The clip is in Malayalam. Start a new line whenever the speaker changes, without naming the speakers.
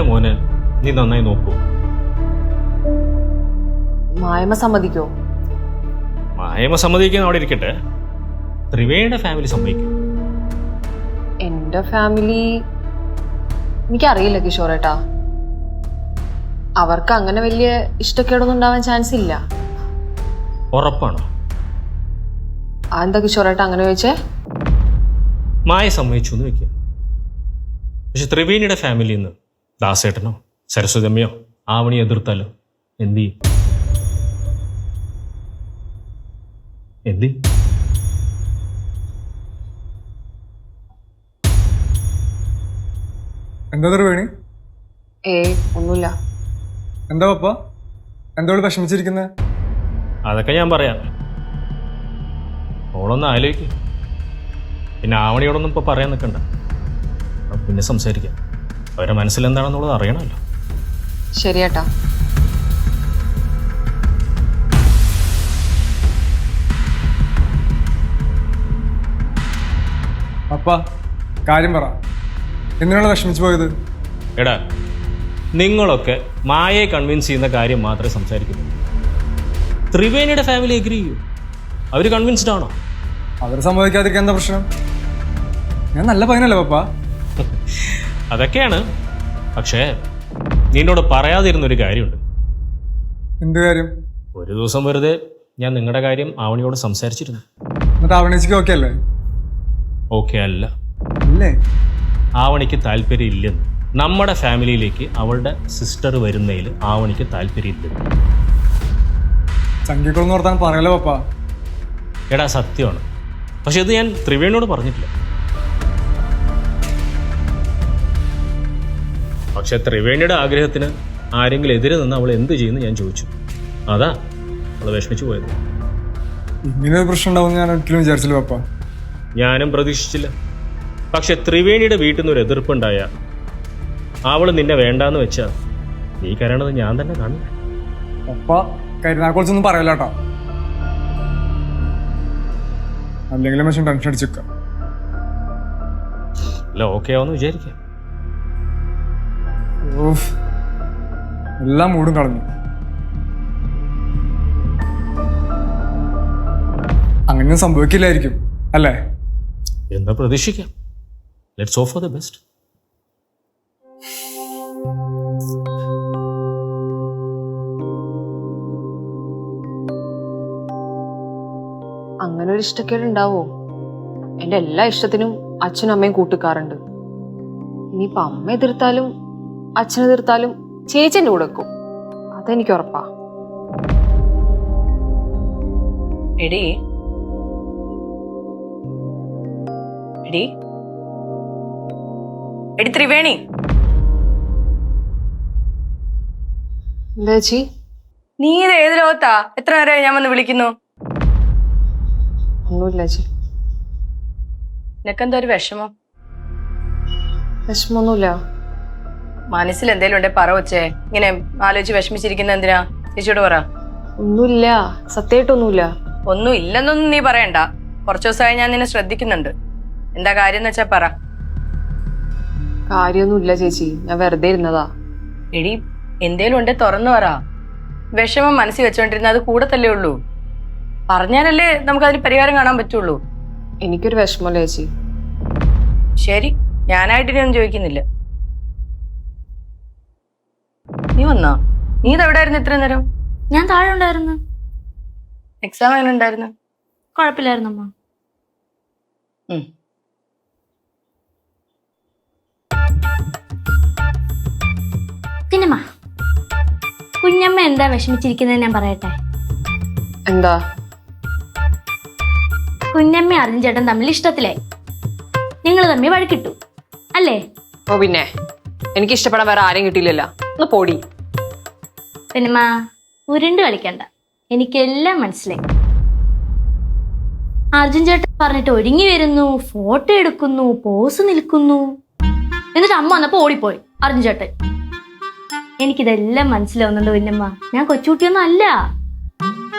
മോനെ നീ നന്നായി നോക്കൂ.
മായമ സമ്മതിക്കോ?
മായമ സമ്മതിക്കാൻ അവിടെ ഇരിക്കട്ടെ, ത്രിവേണിയുടെ ഫാമിലി സമ്മതിക്കും.
എന്റെ ഫാമിലി എനിക്കറിയില്ല കിഷോറേട്ടാ. അവർക്ക് അങ്ങനെ വലിയ ഇഷ്ടക്കേടൊന്നും ഉണ്ടാവാൻ ചാൻസ് ഇല്ല.
ഉറപ്പാണോ?
അതെന്താ കിഷോറേട്ടാ അങ്ങനെ ചോദിച്ചേ?
മായ സമ്മതിച്ചു എന്ന് വെക്കുക. പക്ഷെ ത്രിവേണിയുടെ ഫാമിലിയിൽ നിന്ന് ദാസേട്ടനോ സരസ്വതമ്മയോ ആവണി എതിർത്താലോ എന്തി എന്തി
എന്താ ത്രിവേണി?
ഒന്നുമില്ല.
എന്താ പപ്പ, എന്താ വിഷമിച്ചിരിക്കുന്നത്?
അതൊക്കെ ഞാൻ പറയാം. ഓളൊന്ന് ആലോചിക്കും. പിന്നെ ആവണിയോടൊന്നും ഇപ്പോൾ പറയാൻ നിൽക്കണ്ട, പിന്നെ സംസാരിക്കാം. അവരുടെ മനസ്സിലെന്താണെന്നുള്ളത് അറിയണമല്ലോ.
ശരിയേട്ടാ.
പപ്പ കാര്യം പറ, എന്തിനാണ് വിഷമിച്ചു പോയത്?
എടാ, നിങ്ങളൊക്കെ മായയെ കൺവിൻസ് ചെയ്യുന്ന കാര്യം മാത്രമേ സംസാരിക്കുന്നുള്ളൂ. ത്രിവേണിയുടെ ഫാമിലി എഗ്രി ചെയ്യൂ. അവർ കൺവിൻസ്ഡ് ആണോ?
അവർ സമ്മതിക്കാതിരിക്കാൻ എന്താ പ്രശ്നം? ഞാൻ നല്ല പയ്യനല്ലേ പപ്പ?
അതൊക്കെയാണ്. പക്ഷേ നിന്നോട് പറയാതിരുന്നൊരു കാര്യമുണ്ട്.
എന്ത് കാര്യം?
ഒരു ദിവസം വെറുതെ ഞാൻ നിങ്ങളുടെ കാര്യം ആവണിയോട് സംസാരിച്ചിരുന്നു.
എന്നിട്ട് ആവണിച്ചിക്ക് ഓക്കെ അല്ലേ?
ഓക്കെ അല്ല.
അല്ലേ?
ആവണിക്ക് താല്പര്യം ഇല്ലെന്ന്. നമ്മുടെ ഫാമിലിയിലേക്ക് അവളുടെ സിസ്റ്റർ വരുന്നതിൽ ആവണിക്ക് താല്പര്യമില്ലെന്ന്.
ചങ്കിക്കുളന്ന് ഓർത്താൻ പറയല്ലോ പപ്പ.
എടാ, സത്യമാണ്. പക്ഷെ ഇത് ഞാൻ ത്രിവേണിയോട് പറഞ്ഞിട്ടില്ല. പക്ഷെ ത്രിവേണിയുടെ ആഗ്രഹത്തിന് ആരെങ്കിലും എതിരെ നിന്ന് അവൾ എന്ത് ചെയ്യുന്നു ഞാൻ ചോദിച്ചു. അതാ അവൾ വിഷമിച്ചു പോയത്.
ഇങ്ങനൊരു പ്രശ്നം ഉണ്ടാവും ഞാൻ ഒരിക്കലും വിചാരിച്ചില്ല പപ്പ.
ഞാനും പ്രതീക്ഷിച്ചില്ല. പക്ഷെ ത്രിവേണിയുടെ വീട്ടിൽ നിന്ന് ഒരു എതിർപ്പുണ്ടായ അവൾ നിന്നെ വേണ്ടാന്ന് വെച്ചാ നീ കരയണത് ഞാൻ തന്നെ കാണും.
പപ്പ കരുനാക്കുറിച്ചൊന്നും പറയല്ല കേട്ടോ, അല്ലെങ്കിലും പക്ഷെ ടെൻഷൻ അടിച്ചിരിക്കാം.
അല്ല, ഓക്കെ ആവുമെന്ന് വിചാരിക്കാം.
എല്ലാം മൂടും കളഞ്ഞു. അങ്ങനെ സംഭവിക്കില്ലായിരിക്കും അല്ലേ?
എന്താ പ്രതീക്ഷിക്കാം. Let's hope for the best.
അങ്ങനെ ഒരു ഇഷ്ടക്കേട് ഉണ്ടാവോ? എന്റെ എല്ലാ ഇഷ്ടത്തിനും അച്ഛനും അമ്മയും കൂട്ടിക്കാറുണ്ട്. ഇനിയിപ്പൊ അമ്മ എതിർത്താലും അച്ഛൻ എതിർത്താലും ചേച്ചി എന്റെ കൂടെ വെക്കും. അതെനിക്ക് ഉറപ്പാ.
എടി എടി എടി ത്രിവേണി,
എന്താ ചേച്ചി?
നീ ഇത് ഏത് ലോകത്താ? എത്ര നേരമായി ഞാൻ വന്ന് വിളിക്കുന്നു?
ഒന്നുമില്ല ചേച്ചി.
നിനക്കെന്താ ഒരു വിഷമം?
വിഷമൊന്നുമില്ല.
മനസ്സിൽ എന്തേലും ഉണ്ടെ പറ വച്ചേ. ഇങ്ങനെ ആലോചിച്ച് വിഷമിച്ചിരിക്കുന്ന എന്തിനാ? ചേച്ചിയോട് പറ.
ഒന്നുമില്ല, സത്യമായിട്ടൊന്നുമില്ല.
ഒന്നും ഇല്ലെന്നൊന്നും നീ പറയണ്ട. കുറച്ചു ദിവസമായി ഞാൻ നിന്നെ ശ്രദ്ധിക്കുന്നുണ്ട്. എന്താ കാര്യം എന്ന് വെച്ചാ പറ.
കാര്യമൊന്നുമില്ല ചേച്ചി, ഞാൻ വെറുതെ ഇരുന്നതാ.
എടി, എന്തേലും ഉണ്ടെ തുറന്നു പറ. വിഷമം മനസ്സിൽ വെച്ചോണ്ടിരുന്ന അത് കൂടത്തല്ലേ ഉള്ളൂ. പറഞ്ഞാലല്ലേ നമുക്കതിന് പരിഹാരം കാണാൻ പറ്റുള്ളൂ.
എനിക്കൊരു വിഷമല്ല ചേച്ചി.
ശരി, ഞാനായിട്ട് ഇനി ഒന്നും ചോദിക്കുന്നില്ല. നീ വന്നാ? നീ ഇതെവിടായിരുന്നു ഇത്ര നേരം?
ഞാൻ താഴെ ഉണ്ടായിരുന്നു.
എക്സാം എങ്ങനെ ഉണ്ടായിരുന്നു?
കുഴപ്പമില്ലായിരുന്നമ്മ. പിന്നെമ്മ, കുഞ്ഞമ്മ എന്താ വിഷമിച്ചിരിക്കുന്നത് ഞാൻ പറയട്ടെ.
എന്താ?
കുഞ്ഞമ്മ അർജുൻ ചേട്ടൻ തമ്മിൽ ഇഷ്ടത്തിലായി. നിങ്ങൾ തമ്മിൽ വഴക്കിട്ടു അല്ലേ?
ഓ പിന്നെ, എനിക്ക് ഇഷ്ടപ്പെടാൻ വേറെ ആരെയും കിട്ടിയില്ലല്ലോ. ഒന്ന് പോടി.
പിന്നെമ്മ, ഉരുണ്ട് കളിക്കണ്ട, എനിക്കെല്ലാം മനസ്സിലായി. അർജുൻ ചേട്ടൻ പറഞ്ഞിട്ട് ഒരുങ്ങി വരുന്നു, ഫോട്ടോ എടുക്കുന്നു, പോസ് നിൽക്കുന്നു. എന്നിട്ട് അമ്മ വന്നപ്പോ ഓടിപ്പോയി അർജുൻ ചേട്ടൻ. എനിക്കിതെല്ലാം മനസ്സിലാവുന്നുണ്ട് കുഞ്ഞമ്മ. ഞാൻ കൊച്ചുകുട്ടിയൊന്നും അല്ല.